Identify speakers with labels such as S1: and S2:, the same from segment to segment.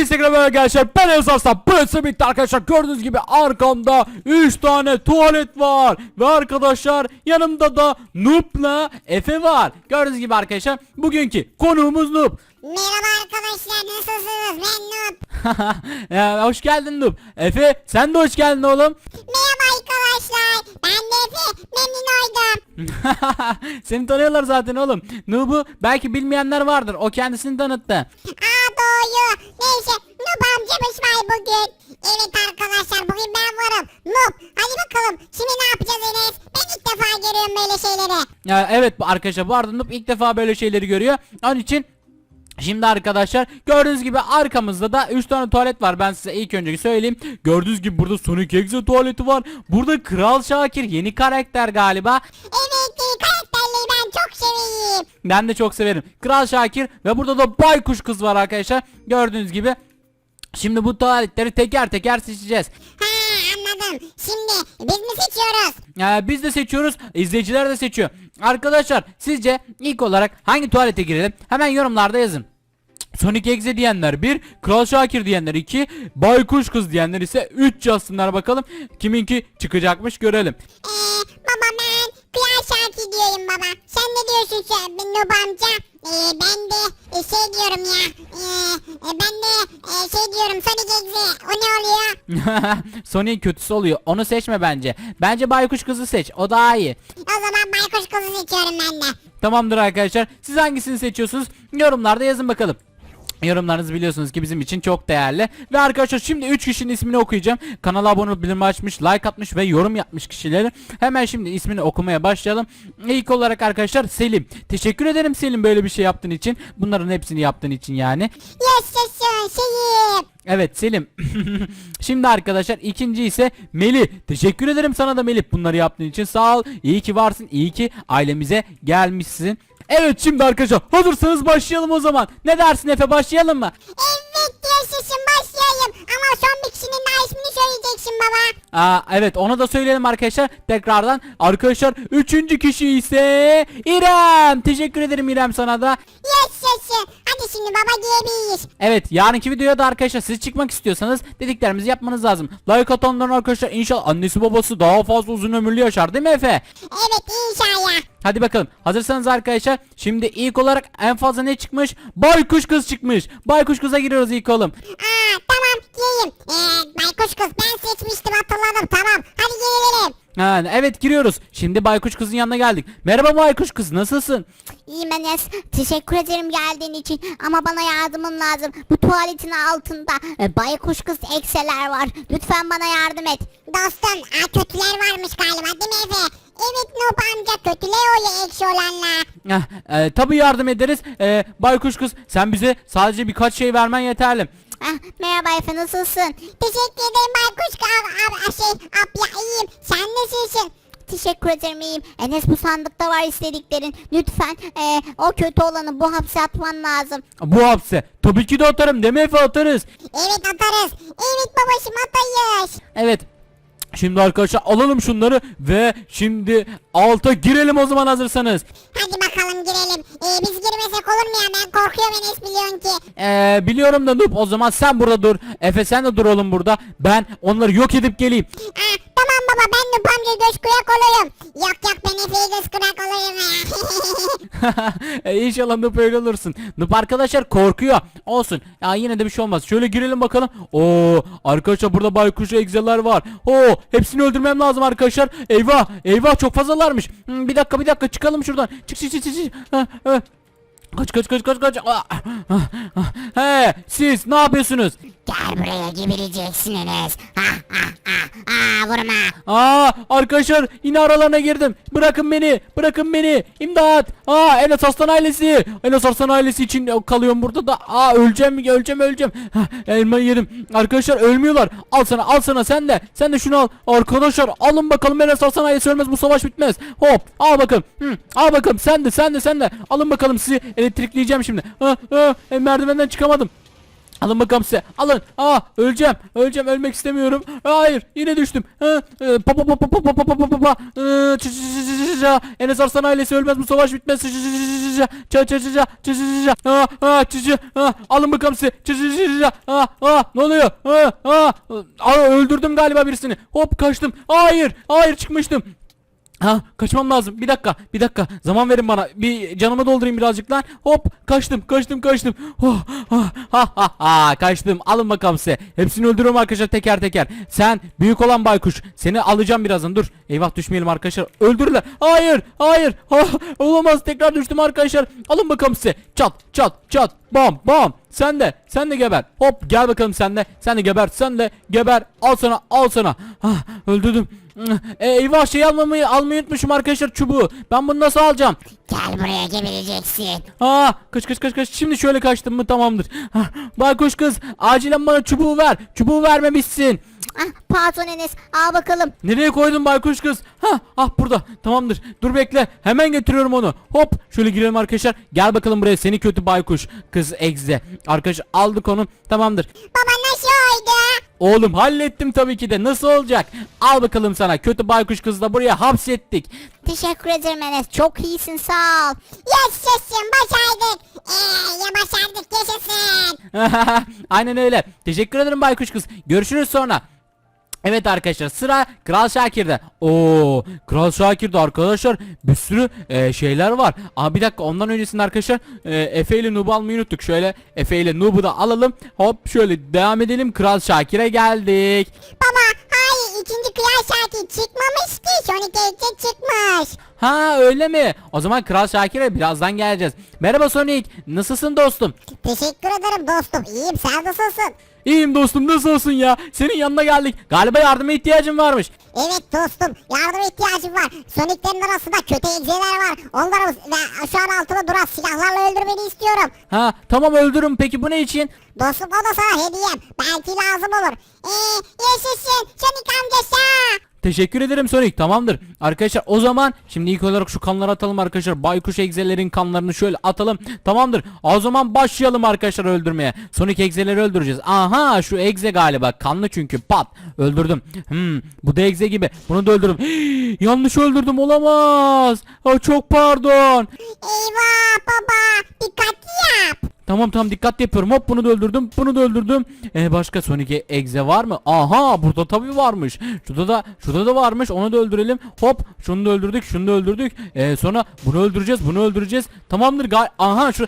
S1: Hepinize merhaba arkadaşlar, ben Enes Arslan. Burası bitti arkadaşlar, gördüğünüz gibi arkamda 3 tane tuvalet var. Ve arkadaşlar yanımda da Noob'la Efe var. Gördüğünüz gibi arkadaşlar bugünkü konuğumuz Noob.
S2: Merhaba arkadaşlar, nasılsınız? Ben Noob.
S1: Ya, hoş geldin Noob. Efe sen de hoş geldin oğlum.
S2: Merhaba arkadaşlar, ben de Efe, memnun oldum.
S1: Seni tanıyorlar zaten oğlum. Noob'u belki bilmeyenler vardır, o kendisini tanıttı.
S2: Doğru. Neyse, Noob amcamız var bugün. Evet arkadaşlar, bugün ben varım. Noob, hadi bakalım, şimdi ne yapacağız Enes? Ben ilk defa görüyorum böyle şeyleri.
S1: Ya, evet arkadaşlar, bu arada Noob ilk defa böyle şeyleri görüyor. Onun için şimdi arkadaşlar gördüğünüz gibi arkamızda da 3 tane tuvalet var. Ben size ilk önce söyleyeyim. Gördüğünüz gibi burada Sonic Exe tuvaleti var. Burada Kral Şakir yeni karakter galiba.
S2: Evet, karakterleri ben çok seveyim.
S1: Ben de çok severim. Kral Şakir ve burada da Baykuş Kız var arkadaşlar. Gördüğünüz gibi. Şimdi bu tuvaletleri teker teker seçeceğiz.
S2: Anladım. Şimdi biz mi seçiyoruz?
S1: Biz de seçiyoruz. İzleyiciler de seçiyor. Arkadaşlar sizce ilk olarak hangi tuvalete girelim? Hemen yorumlarda yazın. Sonic Exe diyenler 1, Kral Şakir diyenler 2, Baykuş Kız diyenler ise 3 yazsınlar bakalım. Kiminki çıkacakmış görelim.
S2: Baba ben Kral Şakir diyorum baba. Sen ne diyorsun sen Noob amca? Ben de şey diyorum ya. Ben de şey diyorum Sonic Exe. O ne oluyor?
S1: Sonic kötüsü oluyor. Onu seçme bence. Bence Baykuş Kız'ı seç. O daha iyi.
S2: O zaman Baykuş Kızı seçiyorum ben de.
S1: Tamamdır arkadaşlar. Siz hangisini seçiyorsunuz? Yorumlarda yazın bakalım. Yorumlarınız biliyorsunuz ki bizim için çok değerli. Ve arkadaşlar şimdi 3 kişinin ismini okuyacağım. Kanala abone olup bildirim açmış, like atmış ve yorum yapmış kişileri. Hemen şimdi ismini okumaya başlayalım. İlk olarak arkadaşlar Selim. Teşekkür ederim Selim, böyle bir şey yaptığın için. Bunların hepsini yaptığın için yani.
S2: Yaşasın Selim.
S1: Evet Selim. Şimdi arkadaşlar ikinci ise Melih. Teşekkür ederim sana da Melih, bunları yaptığın için. Sağ ol. İyi ki varsın. İyi ki ailemize gelmişsin. Evet şimdi arkadaşlar hazırsanız başlayalım o zaman. Ne dersin Efe, başlayalım mı?
S2: Evet yaşasın başlayalım. Ama son bir kişinin daha ismini söyleyeceksin baba.
S1: Evet onu da söyleyelim arkadaşlar tekrardan. Arkadaşlar üçüncü kişi ise İrem. Teşekkür ederim İrem sana da.
S2: Yaşasın. Hadi şimdi baba diyebiliriz.
S1: Evet yarınki videoya da arkadaşlar siz çıkmak istiyorsanız dediklerimizi yapmanız lazım. Like atanların arkadaşlar inşallah annesi babası daha fazla uzun ömürlü yaşar, değil mi Efe?
S2: Evet inşallah.
S1: Hadi bakalım hazırsanız arkadaşlar şimdi ilk olarak en fazla ne çıkmış? Baykuş Kız çıkmış. Baykuş Kız'a giriyoruz ilk oğlum.
S2: Tamam diyeyim. Baykuş Kız ben seçmiştim, hatırladım, tamam. Hadi gelelim.
S1: Evet giriyoruz. Şimdi Baykuş Kız'ın yanına geldik. Merhaba Baykuş Kız, nasılsın?
S2: İyiyim Enes. Teşekkür ederim geldiğin için. Ama bana yardımın lazım. Bu tuvaletin altında baykuş kız ekseler var. Lütfen bana yardım et. Dostum kötüler varmış galiba, değil mi Efe? Evet Noob amca, kötüler oluyor eksi olanlar.
S1: Tabii yardım ederiz. Baykuş Kız sen bize sadece birkaç şey vermen yeterli.
S2: Merhaba Efe, nasılsın? Teşekkür ederim baykuş kız. Abla iyiyim. Sen nasılsın? Teşekkür ederim, iyiyim. Enes bu sandıkta var istediklerin. Lütfen o kötü olanı bu hapse atman lazım.
S1: Bu hapse tabii ki de atarım, değil mi Efe, atarız.
S2: Evet atarız. Evet babacım atayız.
S1: Evet. Şimdi arkadaşlar alalım şunları ve şimdi alta girelim o zaman hazırsanız.
S2: Hadi bakalım girelim. Biz girmesek olur mu ya? Ben korkuyorum Enes, biliyorsun ki.
S1: Biliyorum da Noob, o zaman sen burada dur. Efe sen de dur oğlum burada. Ben onları yok edip geleyim.
S2: Tamam baba, ben Noob amca göz kurak olayım. Yok ben Efe'ye göz kurak olayım ya.
S1: İnşallah Noob öyle olursun. Noob arkadaşlar korkuyor. Olsun. Ya yine de bir şey olmaz. Şöyle girelim bakalım. Oo arkadaşlar burada baykuş egzeler var. Oo hepsini öldürmem lazım arkadaşlar. Eyvah eyvah çok fazlalarmış. Bir dakika çıkalım şuradan. Çık. Kaç. He siz ne yapıyorsunuz?
S2: Gel buraya, gibileceksin Enes. Vurma.
S1: Arkadaşlar yine aralarına girdim. Bırakın beni. İmdat. Enes Arslan ailesi. Enes Arslan ailesi için kalıyorum burada da. Öleceğim. Elmayı yedim. Arkadaşlar ölmüyorlar. Al sana sen de şunu al. Arkadaşlar alın bakalım, Enes Arslan ailesi ölmez, bu savaş bitmez. Hop al bakalım. Al bakalım sen de. Alın bakalım, sizi elektrikleyeceğim şimdi. Merdivenden çıkamadım. Alın bakalım size. Alın. Öleceğim. Ölmek istemiyorum. Hayır. Yine düştüm. Enes Arslan ailesi ölmez, bu savaş bitmez. Alın bakalım size. Ne oluyor? Öldürdüm galiba birisini. Hop kaçtım. Hayır çıkmıştım. Kaçmam lazım. Bir dakika. Zaman verin bana. Bir canımı doldurayım birazcık lan. Hop kaçtım. Kaçtım. Alın bakalım size. Hepsini öldürüyorum arkadaşlar teker teker. Sen büyük olan baykuş. Seni alacağım birazdan. Dur. Eyvah düşmeyelim arkadaşlar. Öldürürler. Hayır. Olamaz. Tekrar düştüm arkadaşlar. Alın bakalım size. Çat. Bam. Sen de geber. Hop gel bakalım sen de. Sen de geber. Al sana. Öldürdüm. Eyvah şey almayı unutmuşum arkadaşlar, çubuğu. Ben bunu nasıl alacağım?
S2: Gel buraya gebereceksin.
S1: Kaç. Şimdi şöyle kaçtım mı tamamdır. Baykuş kız acilen bana çubuğu ver. Çubuğu vermemişsin.
S2: Pardon Enes, al bakalım.
S1: Nereye koydun baykuş kız? Burada. Tamamdır. Dur bekle. Hemen getiriyorum onu. Hop şöyle girelim arkadaşlar. Gel bakalım buraya seni kötü baykuş kız egze. Arkadaşlar aldık onu. Tamamdır.
S2: Baba nasıl oldu?
S1: Oğlum hallettim tabii ki de. Nasıl olacak? Al bakalım sana. Kötü baykuş kızı da buraya hapsettik.
S2: Teşekkür ederim Enes, çok iyisin, sağ ol. Yaşasın, başardık. Ya başardık, yaşasın.
S1: Aynen öyle. Teşekkür ederim baykuş kız. Görüşürüz sonra. Evet arkadaşlar sıra Kral Şakir'de. Kral Şakir'de arkadaşlar bir sürü şeyler var. Bir dakika ondan öncesinde arkadaşlar Efe ile Noob'u almayı unuttuk. Şöyle Efe ile Noob'u da alalım. Hop şöyle devam edelim. Kral Şakir'e geldik.
S2: Baba hayır, ikinci Kral Şakir çıkmamış ki. Sonic Exe çıkmış.
S1: Öyle mi? O zaman Kral Şakir'e birazdan geleceğiz. Merhaba Sonic. Nasılsın dostum?
S2: Teşekkür ederim dostum, iyiyim, sen nasılsın?
S1: İyiyim dostum, nasıl olsun ya? Senin yanına geldik. Galiba yardıma ihtiyacın varmış.
S2: Evet dostum, yardıma ihtiyacım var. Sonic'lerin arasında kötü egzeler var. Onları şu an altında duran silahlarla öldürmeni istiyorum.
S1: Tamam öldürürüm. Peki bu ne için?
S2: Dostum o da sana hediyem. Belki lazım olur. Yaşasın Sonic amcası.
S1: Teşekkür ederim Sonic. Tamamdır. Arkadaşlar o zaman şimdi ilk olarak şu kanları atalım arkadaşlar. Baykuş egzelerin kanlarını şöyle atalım. Tamamdır. O zaman başlayalım arkadaşlar öldürmeye. Sonic egzeleri öldüreceğiz. Şu egze galiba. Kanlı çünkü. Pat. Öldürdüm. Bu da egze gibi. Bunu da öldürdüm. Yanlış öldürdüm. Olamaz. Çok pardon.
S2: Eyvah baba. Dikkatli yap.
S1: Tamam dikkatli yapıyorum. Hop bunu da öldürdüm. Başka Sonic egze var mı? Burada tabii varmış. Şurada da varmış. Onu da öldürelim. Hop şunu da öldürdük. Sonra bunu öldüreceğiz. Tamamdır. Şu.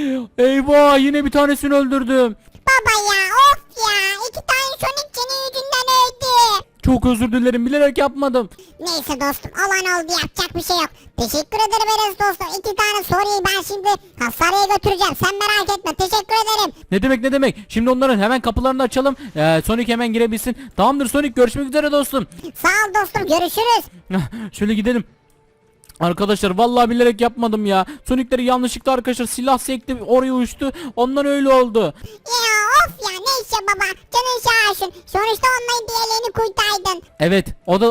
S1: Eyvah yine bir tanesini öldürdüm.
S2: Baba ya, of ya. 2 tane Sonic senin yüzünden öldü.
S1: Çok özür dilerim. Bilerek yapmadım.
S2: Neyse dostum, olan oldu, yapacak bir şey yok. Teşekkür ederim Enes dostum. 2 tane soruyu ben şimdi hastaneye götüreceğim. Sen merak etme, teşekkür ederim.
S1: Ne demek. Şimdi onların hemen kapılarını açalım. Sonic hemen girebilsin. Tamamdır Sonic, görüşmek üzere dostum.
S2: Sağ ol dostum, görüşürüz.
S1: Şöyle gidelim. Arkadaşlar vallahi bilerek yapmadım ya. Sonic'leri yanlışlıkla arkadaşlar silah sekti, oraya uçtu. Ondan öyle oldu.
S2: Ya of ya, neyse baba, canın sağ olsun. Sonuçta onların diğerlerini kurtardın.
S1: Evet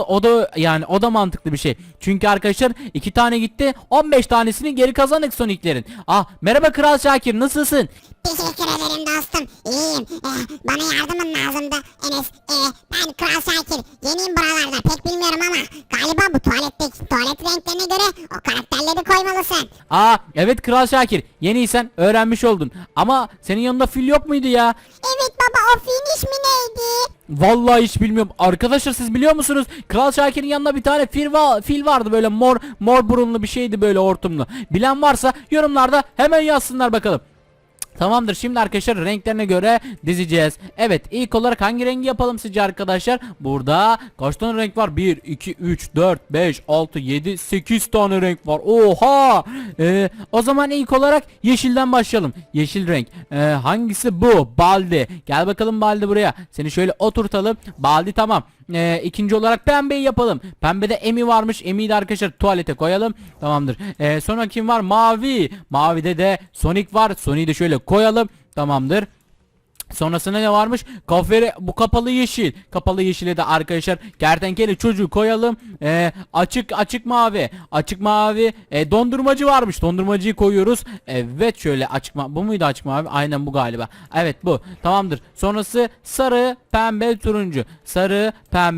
S1: o da mantıklı bir şey. Çünkü arkadaşlar 2 tane gitti, 15 tanesini geri kazandık Sonic'lerin. Merhaba Kral Şakir, nasılsın?
S2: Teşekkür ederim dostum, iyiyim. Bana yardımın lazımdı Enes. Ben Kral Şakir, yeniyim buralarda, pek bilmiyorum ama galiba bu tuvalet renklerine göre o karakterleri koymalısın.
S1: Evet Kral Şakir, yeniysen öğrenmiş oldun. Ama senin yanında fil yok muydu ya?
S2: Evet baba, o filin ismi neydi?
S1: Vallahi hiç bilmiyorum. Arkadaşlar siz biliyor musunuz? Kral Şakir'in yanında bir tane fil vardı, böyle mor burunlu bir şeydi, böyle hortumlu. Bilen varsa yorumlarda hemen yazsınlar bakalım. Tamamdır, şimdi arkadaşlar renklerine göre dizeceğiz. Evet, ilk olarak hangi rengi yapalım sizce arkadaşlar? Burada kaç tane renk var? 1, 2, 3, 4, 5, 6, 7, 8 tane renk var. Oha! O zaman ilk olarak yeşilden başlayalım. Yeşil renk. Hangisi bu? Baldi. Gel bakalım Baldi buraya. Seni şöyle oturtalım. Baldi tamam. İkinci olarak pembeyi yapalım. Pembede Emi varmış. Emi'yi de arkadaşlar tuvalete koyalım. Tamamdır. Sonra kim var? Mavi. Mavide de Sonic var. Sonic'i de şöyle koyalım. Tamamdır. Sonrasında ne varmış? Bu kapalı yeşil. Kapalı yeşile de arkadaşlar kertenkele çocuğu koyalım. Açık mavi. Açık mavi. Dondurmacı varmış. Dondurmacıyı koyuyoruz. Evet şöyle bu muydu açık mavi? Aynen bu galiba. Evet bu. Tamamdır. Sonrası sarı, pembe, turuncu. Sarı, pembe.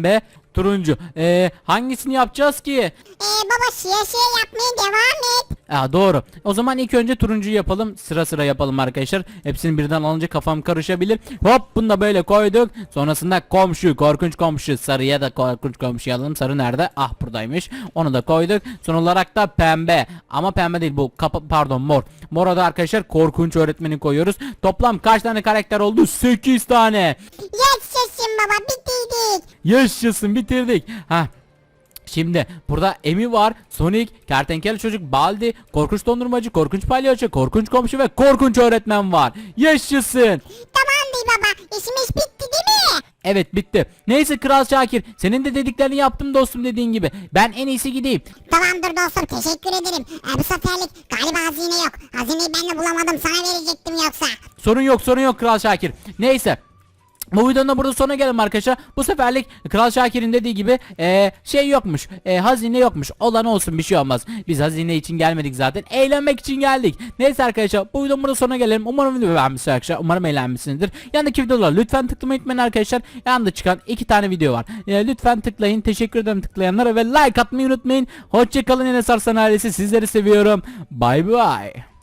S1: Turuncu. Hangisini yapacağız ki?
S2: Baba şişe yapmaya devam et.
S1: Doğru. O zaman ilk önce turuncuyu yapalım. Sıra sıra yapalım arkadaşlar. Hepsini birden alınca kafam karışabilir. Hop, bunu da böyle koyduk. Sonrasında komşu, korkunç komşu. Sarıya da korkunç komşu alalım. Sarı nerede? Ah, buradaymış. Onu da koyduk. Son olarak da pembe. Ama pembe değil bu. Pardon, mor. Mora da arkadaşlar korkunç öğretmeni koyuyoruz. Toplam kaç tane karakter oldu? 8 tane.
S2: Yaşasın baba, bitirdik.
S1: Yaşasın, bitirdik. Şimdi burada Emi var, Sonic, kertenkele çocuk, Baldi, korkunç dondurmacı, korkunç palyaço, korkunç komşu ve korkunç öğretmen var. Yaşasın.
S2: Tamam değil baba, işimiz bitti değil mi?
S1: Evet, bitti. Neyse Kral Şakir, senin de dediklerini yaptım dostum, dediğin gibi. Ben en iyisi gideyim.
S2: Tamamdır dostum, teşekkür ederim. Bu seferlik galiba hazine yok. Hazineyi ben de bulamadım, sana verecektim yoksa.
S1: Sorun yok Kral Şakir. Neyse. Bu videonun da burada sonuna gelelim arkadaşlar. Bu seferlik Kral Şakir'in dediği gibi şey yokmuş. Hazine yokmuş. Olan olsun, bir şey olmaz. Biz hazine için gelmedik zaten. Eğlenmek için geldik. Neyse arkadaşlar, bu videonun burada sonuna gelelim. Umarım videoyu beğenmişsiniz arkadaşlar. Umarım eğlenmişsinizdir. Yanındaki videolar lütfen tıklamayı unutmayın arkadaşlar. Yanında çıkan 2 tane video var. Lütfen tıklayın. Teşekkür ederim tıklayanlara ve like atmayı unutmayın. Hoşçakalın Enes Arslan ailesi. Sizleri seviyorum. Bay bay.